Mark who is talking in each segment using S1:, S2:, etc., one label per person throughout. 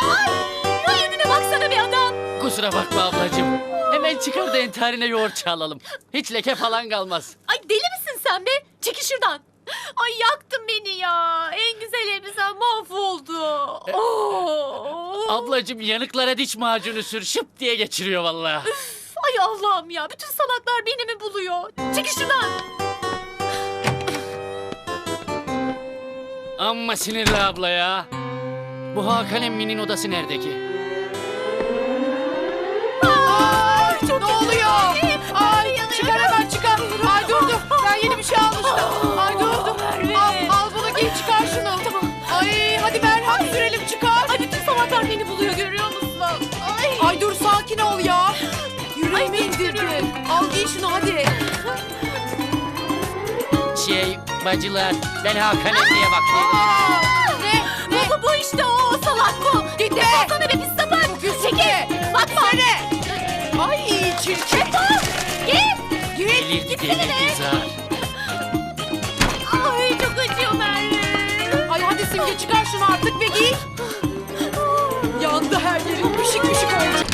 S1: Ay, vay önüne baksana bir adam.
S2: Kusura bakma ablacığım. Hemen çıkar da entarine yoğurt çalalım. Hiç leke falan kalmaz.
S1: Ay deli misin sen be? Çekil şuradan. Ay yaktın beni ya. En güzel elbisen mahvoldu. Oh.
S2: Ablacığım yanıklara diş macunu sür şıp diye geçiriyor vallahi.
S1: Ay Allah'ım ya. Bütün salaklar beni mi buluyor? Çekil şuradan.
S2: Amma sinirli abla ya. Bu Hakan emminin odası nerede ki?
S1: Ay, çok
S3: Ne oluyor?
S1: kötü.
S3: Ay çıkar hemen çıkar. Ay dur. Ben yeni bir şey almıştım. Ay dur.
S1: Merve.
S3: Al bunu giy çıkar şunu. Ay hadi merhem sürelim çıkar.
S1: Ay bütün salaklar beni buluyor görüyor musun? Ay.
S3: Ay dur sakin ol ya. Yüreğimi
S1: Ay,
S3: indirdin. Al giy şunu hadi.
S2: Bacılar ben Hakan emmiye bakıyorum.
S3: Ne?
S1: Bu işte o salak bu.
S3: Git de.
S1: Sana be pis sapık. Çekil. Bakma.
S3: Ay çirkin.
S1: Git.
S2: Delirdi delirdi zar.
S1: Ay çok acıyor Merve.
S3: Ay hadi Simge çıkar şunu artık ve giy. Yandı her yerin pişik pişik oldu.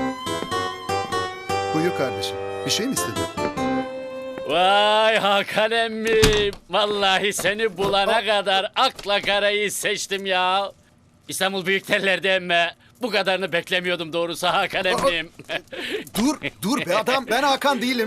S4: Buyur kardeşim. Bir şey mi istedin?
S2: Vay Hakan emmi. Vallahi seni bulana kadar akla karayı seçtim ya. İstanbul Büyükterler'de emme. Bu kadarını beklemiyordum doğrusu Hakan emmim.
S4: Dur be adam. Ben Hakan değilim.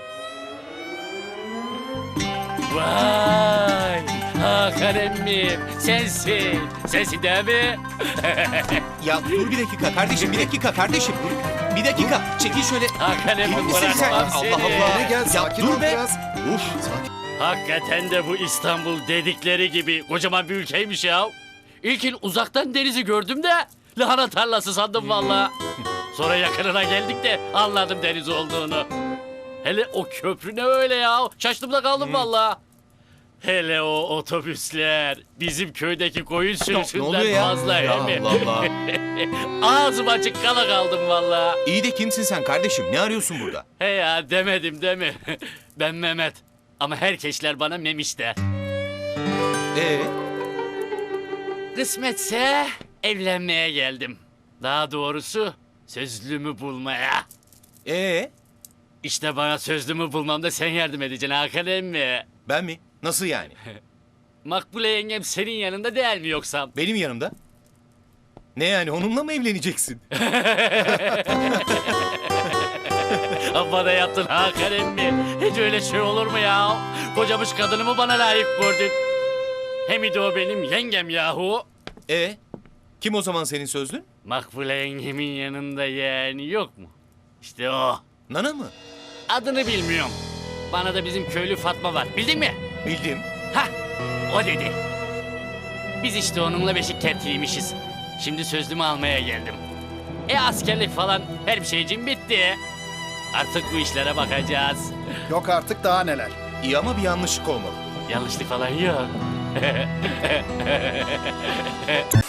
S2: Vay Hakan emmim sensin. Sensin değil mi?
S5: Ya dur bir dakika kardeşim, bir dakika kardeşim. Bir dakika, çekil şöyle.
S2: Hakan emmim
S5: Misin sen?
S2: bırakmam seni.
S5: Allah Allah.
S4: Ne gel
S5: Ya
S4: sakin
S5: dur
S4: ol
S5: be.
S4: biraz.
S5: Uf.
S2: Hakikaten de bu İstanbul dedikleri gibi kocaman bir ülkeymiş ya. İlkin uzaktan denizi gördüm de lahana tarlası sandım valla. Sonra yakınına geldik de anladım deniz olduğunu. Hele o köprü ne öyle ya? Şaştım da kaldım valla. Hele o otobüsler bizim köydeki koyun
S5: Ne
S2: sürüsünden
S5: oluyor ya?
S2: fazla
S5: Ya
S2: he mi?
S5: Allah Allah.
S2: Ağzım açık kala kaldım valla.
S5: İyi de kimsin sen kardeşim? Ne arıyorsun burada?
S2: He ya demedim değil mi? Ben Mehmet. Ama herkesler bana Memiş der.
S5: Ee,
S2: Kısmetse evlenmeye geldim. Daha doğrusu sözlümü bulmaya.
S5: ee,
S2: İşte bana sözlümü bulmamda sen yardım edeceksin Hakan emmi.
S5: ben mi? Nasıl yani?
S2: Makbule yengem senin yanında değil mi yoksa?
S5: Benim yanımda. Ne yani onunla mı evleneceksin?
S2: Bana yaptın Hakan emmi. Hiç öyle şey olur mu ya? Kocamış kadınımı bana layık gördün. Hem de o benim yengem yahu.
S5: Kim o zaman senin sözlün?
S2: Makbule yengemin yanında yeğeni yok mu? İşte o.
S5: Nana mı?
S2: Adını bilmiyorum. Bana da bizim köylü Fatma var. Bildin mi?
S5: Bildim.
S2: Hah, o dedi. Biz işte onunla beşik tertiliymişiz. Şimdi sözlümü almaya geldim. Askerlik falan her şeycim bitti. Artık bu işlere bakacağız.
S4: Yok artık daha neler.
S5: İyi ama bir yanlışlık olmalı.
S2: Yanlışlık falan yok.